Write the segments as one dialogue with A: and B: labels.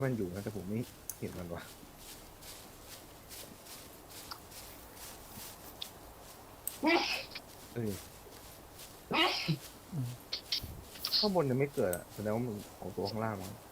A: มันอยู่นะแต่ผมไม่เห็นมันวะเอ้ยข้างบนยังไม่เกิดอ่ะแสดงว่ามันของตัวข้างล่างมั้ง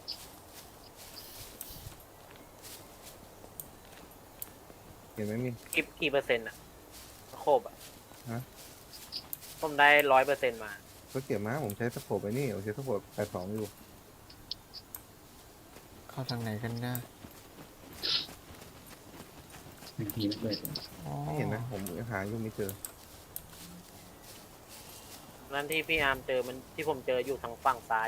A: เห็นไหมมี
B: กี่เปอร์เซ็นต์อะโคบอะ
A: ฮะ
B: ผมได้100%มา
A: ก็เก็บมาผมใช้สโคปไปนี่ผมใช้สโคป82อยู่
C: เข้าทางไหนกันนะ
D: บางทีมันเปิด
C: อ๋อ
A: ไม่เห็นนะผมยังหาอยู่ไม่เจอ
B: นั่นที่พี่อาร์มเจอมันที่ผมเจออยู่ทางฝั่งซ้าย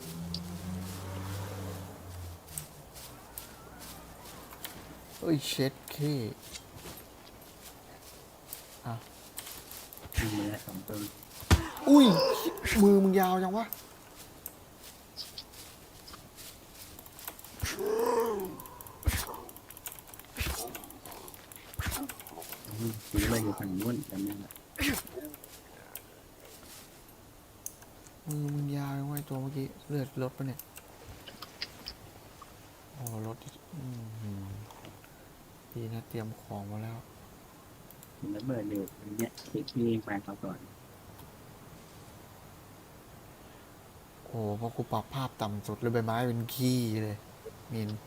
C: เอ้ยเช็ดเคอ่ะ
D: มีเนื้อ2 ตัว
C: อุ้ยมือมึงยาวจังวะ
D: มีอะไรอยู่ฝั่งนู้นจำได้ละ
C: มือมึงยาวจังวะไอ้ตัวเมื่อกี้เลือดลดปะเนี่ยโอ้ลดดีนะเตรียมของมาแล้ว
D: มันระเบิดอยู่อันเนี้ยคลิกที่แฟนเขาก่อน
C: โอ้เพราะกูปรับภาพต่ำสุดเลยใบไม้เป็นขี้เลยมิน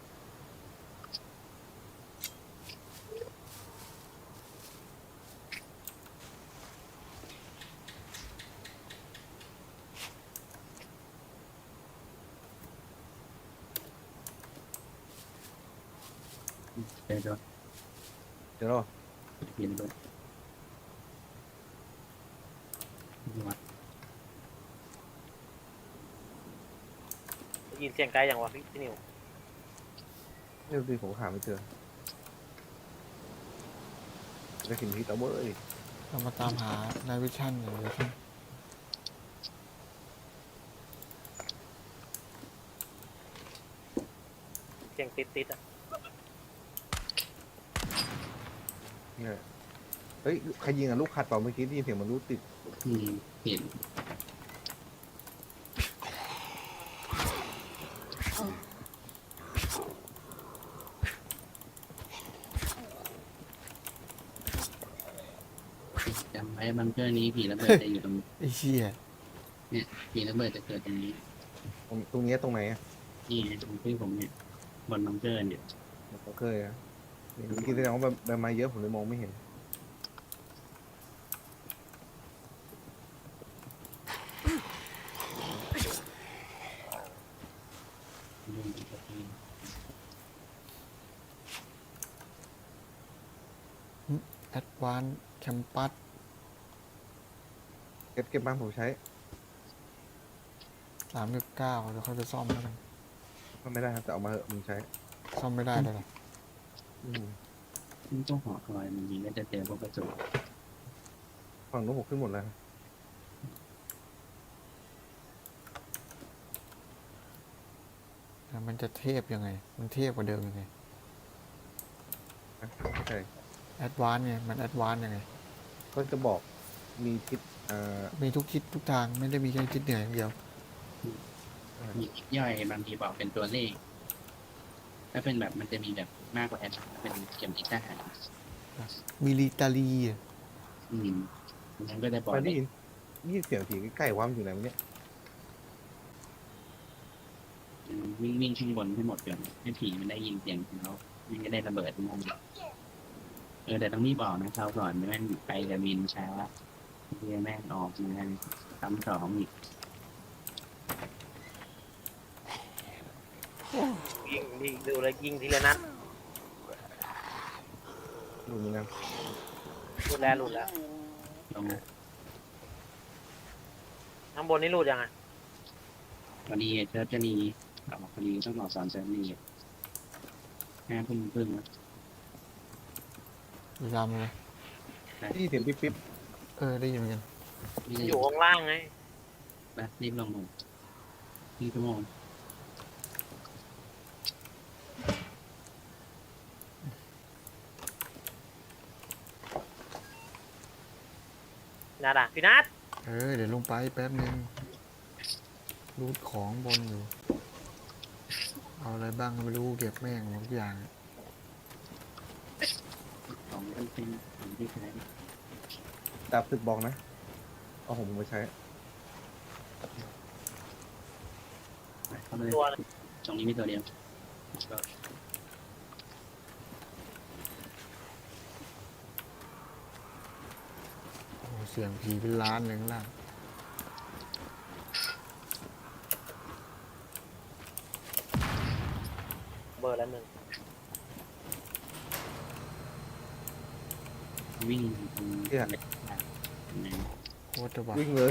D: เจอด้วย
A: เดี๋ยวรอ
D: เห็นด้วยวัด
B: ได้ยินเสียงไกลอย่างวะพี่นิว
A: เรื่องที่ผมหาไม่เจอได้สินที่ตะเว้ย
C: เรามาตามหานายวิชั่นอยู่เลยครับ
B: เสียงติดอะ
A: เนี่ยเฮ้ยใครยิงอ่ะลูกขัดเปล่าเมื่อกี้ได้ยินเสียงมันลูกติด
D: เห็นจำไว้บังเกอร์นี้ผีระเบิดจะอยู่ตรง
C: ไอ้เชี่ย
D: เนี่ยผีระเบิดจะเกิดตรงนี้
A: ตรงเนี้ยตรงไหนอ่ะ
D: นี่ตรงที่ผมเนี่ยบนบังเกอร์เนี่ย
A: ผมเคยอ่ะเมื่อกี้แสดงว่าใบไม้เยอะผมเลยมองไม่เห็น
C: แอดวานแคมปัส
A: เก็บบ้านผมใช้
C: 3.9เดี๋ยวค่อยไปซ่อมแล้วกัน
A: ก็ไม่ได้ครับแต่เอามาเหอะมึงใช้
C: ซ่อมไม่ได้เลยเหรอ
A: อืม
D: ซึ่งต้องหอคอยมันยิงก็จะเจอพวกกระสุน
A: ฝั่งนู้นผมขึ้นหมดแล้ว
C: แล้วมันจะเทพยังไง มันเทพกว่าเดิมยังไง
A: นะเข้าใจ
C: แอดวานไงมันแอดวานยังไง
A: ก็จะบอกมีทิศ
C: มีทุกทิศทุกทางไม่ได้มีแค่ทิศเหนืออย่างเดียว
D: มียิบย่อยบางทีบอกเป็นตัวเลขถ้าเป็นแบบมันจะมีแบบมากกว่าแอดเป็นเข็มทิศทหาร
C: มิลิตารี
D: มันก็จะบอก
A: ไปได้
D: เลข
A: ยินเสียงผีใกล้ๆว่ามันอยู่ไหนวะเนี่ย
D: วิ่งข้างบนให้หมดก่อนให้ผีมันได้ยินเสียงของเขามันก็ได้ระเบิดงงแต่ต้องรีบออกนะเขาก่อนไม่งั้นไปกับมินช้าเรียแม่งออกมาซ้ำ2อีก
B: ยิงดูเลยยิงทีละนัด
A: ดูนี่นะ
B: หลุดแล้ว
D: ลง
B: ข้างบนนี่หลุดยังไง
D: พอดีเชิร์ชจะนีออกพอดีต้องออก3 เชิร์ชนี5 ทุ่มครึ่งแล้ว
C: พยายามเลย
A: ได้ยินเสียงปิ๊บ
C: ได้ยินเหมือนกัน
D: นี่จะ
B: อยู่ข้างล่างไง
D: นะรีบลงลงที่ชั่วโมง
B: นัดอะพี่นัด
C: เดี๋ยวลงไปแป๊บนึงรูดของบนอยู่เอาอะไรบ้างก็ไม่รู้เก็บแม่งหมดทุกอย่าง
D: ของมันเป็นของที่ใช้
A: ดาบศึกบอกนะเอาผมมาใช้
D: เข้ามาเลย
B: ตัว
D: ตรงนี้มีตัวเดียวก็
C: โอ้โหเสียงผีเป็นล้านเลยข้างล่าง
B: เบอร์ละหนึ่ง
D: วิ่งตรง
A: เนี่ย
D: ไหน
C: โคตรจะบ้า
A: วิ่งเลย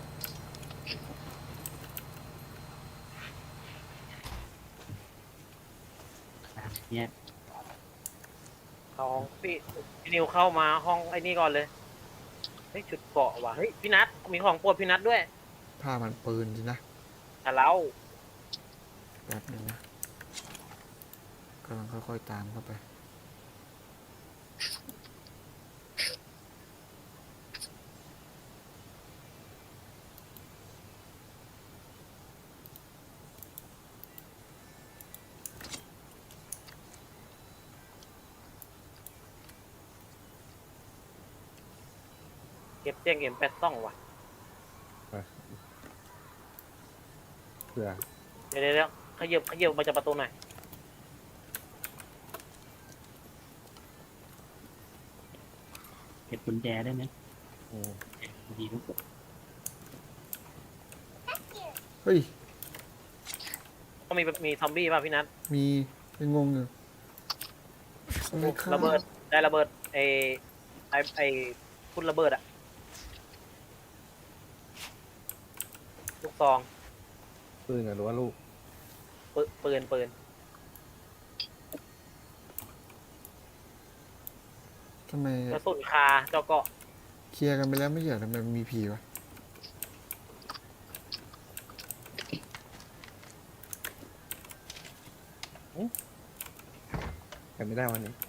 D: เนี่ย
B: เข้าห้องพี่นิวเข้ามาห้องไอ้นี่ก่อนเลยเฮ้ยชุดเกาะว่ะเฮ้ยพี่นัทมีของโปรดพี่นัทด้วย
C: ผ้ามันปืนสินะ
B: ทะเล้า
C: แป๊บหนึงนะกำลังค่อยๆตามเข้าไป
B: เก็บเตียงเอ็มแปดซ่องว่ะ
A: เผื่อ
B: เดี๋ยวขยับมาจากประตูหน่อย
D: เก็บกุญแจได้ไหม
A: โอ้
D: พอดีทุกคน
C: เฮ้ย
B: ก็มีซอมบี้ป่ะพี่นัท
C: มียังงงอยู่อะไรข้าง
B: ระเบิดได้ระเบิดไอพุ่นระเบิดอะลูกซอง
A: ปืนหรือว่าลูก
B: ปืน
C: ทำไม
B: กระสุนคาเจ้าเกาะ
C: เคลียร์กันไปแล้วไม่ใช่เหรอทำไมมันมีผีวะ
A: แต่ไม่ได้วันนี้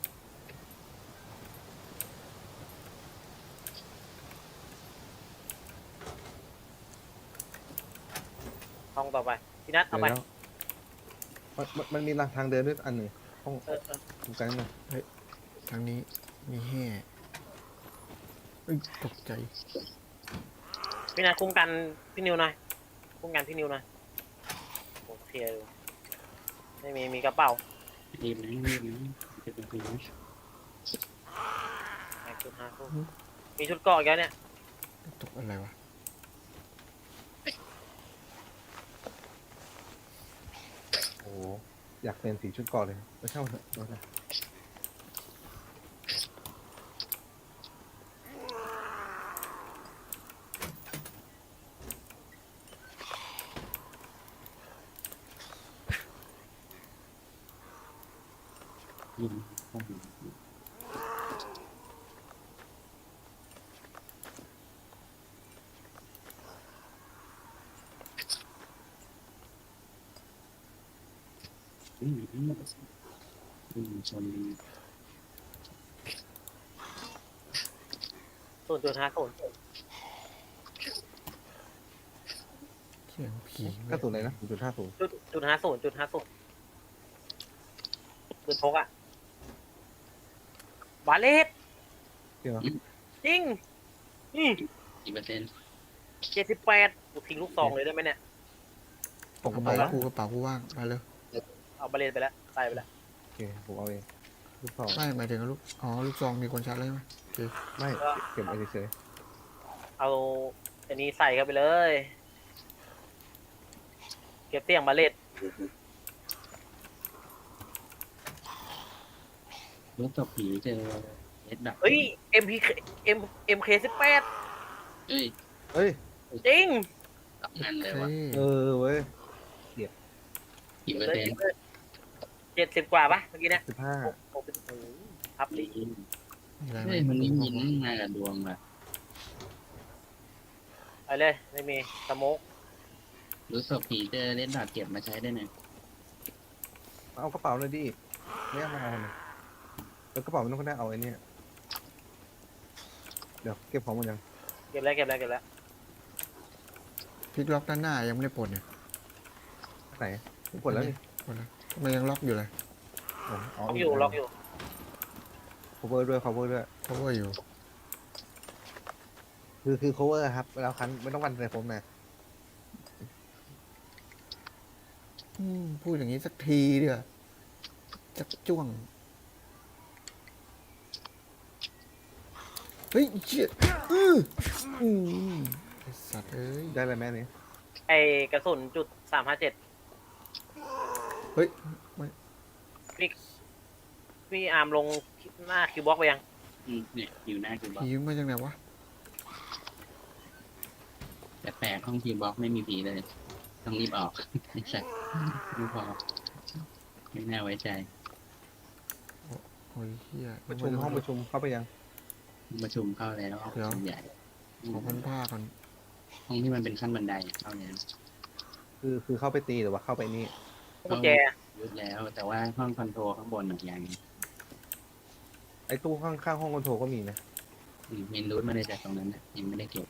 B: ห้องต่อไปพี่นัทเอา
A: เดี๋ยว
B: ไป
A: แล้วมันมีทางเดินด้วยอันหนึ่งห้อง
B: เออ
A: ตรงกลางหน่อย
C: ทางนี้มีแห่เอ้ยตกใจ
B: พี่นัทคุ้มกันพี่นิวหน่อยคุ้มกันพี่นิวหน่อยโอเคดูไม่มีกระเป๋า
D: รีบนะรีบนะจะเป็นคนนะ
B: ชุด5 คู่มีชุดเกาะอีกแล้วเนี่ย
C: ตกอะไรวะ
A: โอ้โหอยากเป็นสีชุดก่อนเลยไม่เช่าเถอะเอาเถอะ
D: ยิงข้อมูลชน
B: 0.50
C: เสียงผี
A: กระสุนอะไรนะ0.50
B: จุด 50ปืนพกอะบาเลต
A: จริงเหรอ
B: จริงนี่
D: กี่เปอร์เซ็นต์
B: 78กูทิ้งลูกซองเลยได้ไหมเนี่ย
A: ผม
C: ก
A: ก็
C: ระ
A: ไป
C: เป๋า
A: แล้ว
C: กูกระเป๋ากูว่างมาเลย
B: เอาบาเลตไปแล้วตายไปแล้ว
A: โอเคผมเอาเองลูกซอง
C: ไม่หมายถึงลูกอ๋อลูกซองมีคนชักเลยไหมโอเค
A: ไม่เก็บไว้เฉย
B: เอาอันนี้ใส่เข้าไปเลย เก็บเตียงบาเลต
D: รถตบผีเจอเอสดับ
B: เฮ้ย MK18
D: เอ้ย
A: ๆเฮ้ย
B: จริง
D: ตับนั่นเลย
C: โอ
D: ว่ะ
C: เค
A: เว้ย
D: กี่เปอร์เซ็นต์
B: 70 กว่าปะเมื่อกี้เนี่ย
A: 15
B: โอ้โหพับดิ
C: มีอะไรไหม
D: เฮ้ยมันนี่ยินมากับดวงว่ะ
B: ไปเลยไม่มีสโมก
D: รู้ศพผีเจอเล่นดาบเก็บมาใช้ได้ไหม
A: เอากระเป๋าเลยดิไม่เอามาเอาเลยแล้วกระเป๋าไม่ต้องก็ได้เอาไอ้เนี่ยเดี๋ยวเก็บของหมดยัง
B: เก็บแล้ว
C: พลิกล็อกด้านหน้ายังไม่ได้ปลดเนี่ย
A: ไหนผมกดแล้วนี่
C: คนละทำไมยังล็อกอยู่เลย
B: ล็อกอยู่ล็อกอยู่
A: cover ด้วย cover ด้วย
C: เพราะว่าอยู่
A: คือ cover ครับเวลาคันไม่ต้องวันใส่ผมนะ
C: พูดอย่างนี้สักทีเดียวจักจ้วง เฮ้ยเชี่ยอืมไอ้สัตว์เอ้ย
A: ได้เลยแม่นี่
B: ไอกระสุนจุด357
C: เฮ้ยไม่
B: พี่อาร์มลงหน้าคิวบ็อกไปยัง
D: เนี่ยอยู่หน้าคิวบ็อก
C: ผีมาจากไหนวะ
D: แต่แปลกห้องคิวบ็อกไม่มีผีเลย ต้องรีบออก ไม่ใช่ไม่พอไม่น่าไว้ใจ
C: โอ้ยเฮีย
A: ประชุมห้องประชุมเข้าไปยัง
D: ประชุมเข้าแล้วห้องประชุมใหญ่
C: ขอพันผ้าก่อน
D: ห้องที่มันเป็นขั้นบันไดเข้าแล้ว
A: คือเข้าไปตีหรือว่าเข้าไปนี่
B: กุญแจ
D: ยุดแล้ว แต่ว่าห้องคอนโทรลข้างบนหนึ่งอย่าง
A: ไอ้ตู้ข้างห้องคอนโทรลก็มีนะ
D: เมนรูทมาได้จากตรงนั้นนะยังไม่ได้เก็บ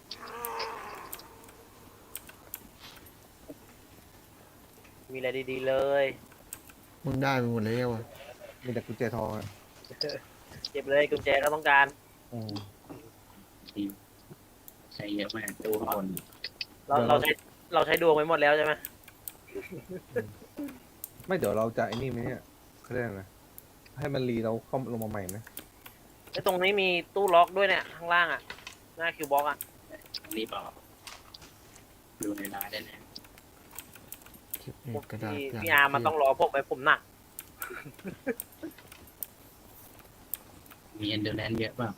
B: มีอะไรดีๆเลย
C: มึงได้ไปหมดแล้วอ่ะ
A: มีแต่กุญแจทองอะ
B: เก็บเลยกุญแจก็ต้องการ
A: อืม
D: ใช้เยอะมากตู้ข้างบน
B: เราใช้ดวงไปหมดแล้วใช่ไหม
A: ไม่เดี๋ยวเราจะไอ้นี่ไหมเนี่ยเขาเรียกอะไรนะให้มันรีเราเข้าลงมาใหม่ไหม
B: ไอ้ตรงนี้มีตู้ล็อกด้วยเนี่ยข้างล่างอ่ะหน้าคิวบ็อกอ่ะ
D: รีบออกดูในร้านได้เลย
C: เก็บนี่กระดาษ
B: พี่อาร์มมันต้องรอพวกไปผมหนัก
D: มีเอนเดอร์แลนด์เยอะเปล่า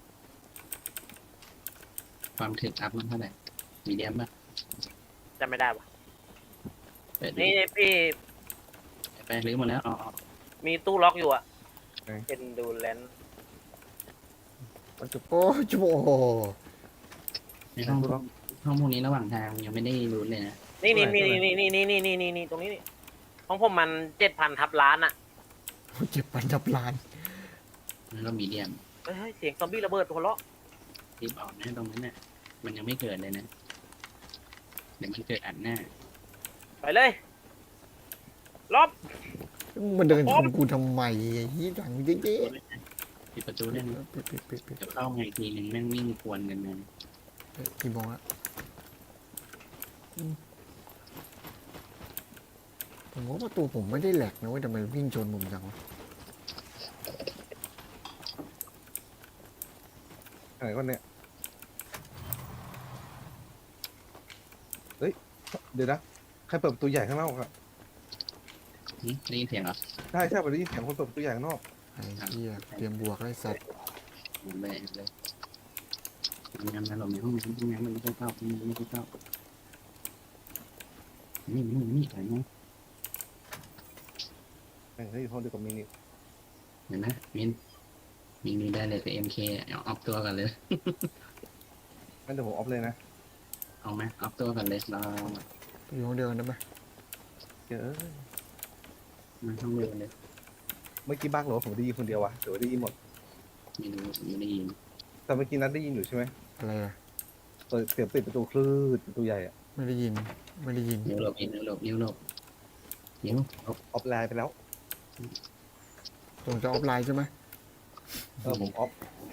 D: ความถึกอัพมันเท่าไหร่มีเดียมป่ะ
B: จำไม่ได้ปะ
D: เปิดดู
B: นี่พี่
D: ไปรื้อหมดแล้วอ๋อ
B: มีตู้ล็อกอยู่อ่ะเป็นดูแลน
A: มันจะ
C: โอ้ยโอ้โห
D: ในห้องพวกนี้ระหว่างทางยังไม่ได้รู้เลยนะ
B: นี่ตรงนี้นี่ของผมมัน7,000 ทับล้านอ่ะ
C: เจ็บปันจับลาน
D: แล้วก็มีเดียม
B: เฮ้ยเสียงซอมบี้ระเบิดหัวเราะ
D: รีบออกนะตรงนั้นน่ะมันยังไม่เกิดเลยนะเดี๋ยวมันเกิดอัดหน้า
B: ไปเลยล็อบ
C: มันเดินชนกูทำไมไอ้ยี่ดังเจ๊
D: ปิดประตูได้ไหม
C: ปิดปิด
D: เดี๋ยวเข้ามาอีกทีหนึ่งแม่งวิ่งควนกันนะ
C: กี่โมงละผมว่าประตูผมไม่ได้แหลกนะเว้ยทำไมวิ่งชนผมจังวะ
A: อะไรก็เนี่ยเฮ้ยเดี๋ยวนะใครเปิดประตูใหญ่ข้างนอกอะ
D: ได้ยินเสียงเหรอ
A: ใช่ผมได้ยินเสียงคนเปิดประตูใหญ่ข้างนอก
C: ไอ้เหี้ยเตรียมบวกไอ้สัตว์
D: หมดเลยงานเราในห้องงานมันไม่ค่อยเข้าไม่ค่อยเข้านี่อะไรนะ
A: แม่งเฮ้ยห้องเดียวกับมินิ
D: เห็นไหมมินได้เลยแต่ MK เอาออฟตัวกันเลย
A: งั้นเดี๋ยวผมออฟเลยนะ
D: เอาไหมออฟตัวกันเลยเรา
C: อยู่ห้องเดียวกันได้ไหม
A: เดี๋ยว
D: มาห้องเดียวกันเลย
A: เมื่อกี้บ้างเหรอผมได้ยินคนเดียววะเดี๋ยวได้ยินหมด
D: ไม่รู้ไม่ได้ยิน
A: แต่เมื่อกี้นัดได้ยินอยู่ใช่ไหม
C: อะไรอะ
A: เปิดเสียงปิดประตูคลื่นประตูใหญ่อะ
C: ไม่ได้ยินไม่ได้ยิน
D: นิ้วหลบนิ้วหลบนิ้วหลบนิ้วหลบ
A: ออฟไลน์ไปแล้ว
C: ผมจะออฟไลน์ใช่ไหม
A: ผมออฟ